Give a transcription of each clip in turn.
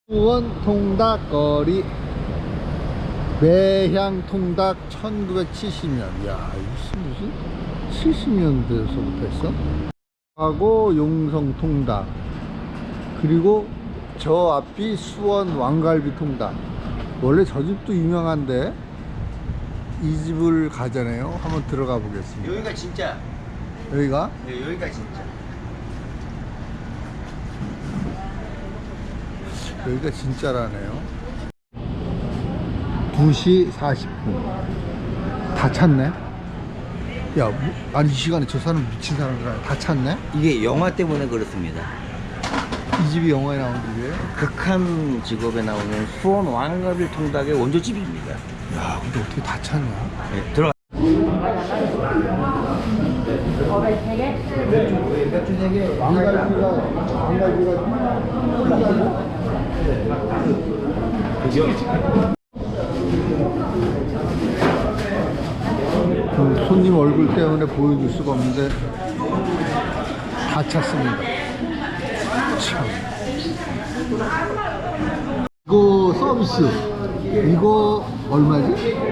수원 통닭거리 매향 통닭 1970년. 야, 이게 무슨 70년대에서부터 했어? 하고 용성 통닭, 그리고 저 앞이 수원 왕갈비 통닭. 원래 저 집도 유명한데 이 집을 가잖아요. 한번 들어가 보겠습니다. 여기가 진짜. 여기가? 네, 여기가 진짜. 여기가 진짜라네요. 2시 40분 다 찼네. 야, 아니 이 시간에 저 사람 미친 사람들 다 찼네. 이게 영화 때문에 그렇습니다. 이 집이 영화에 나온 집이에요? 극한 직업에 나오는 수원 왕갈비 통닭의 원조집입니다. 야, 근데 어떻게 다 찼냐? 네, 들어가. 손님 얼굴 때문에 보여줄 수가 없는데 다 찼습니다. 참. 이거 서비스 이거 얼마지?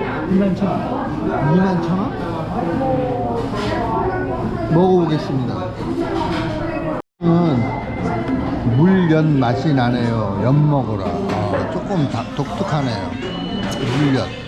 21,000원? 먹어보겠습니다. 물엿 맛이 나네요. 엿 먹어라. 조금 독특하네요. 물엿.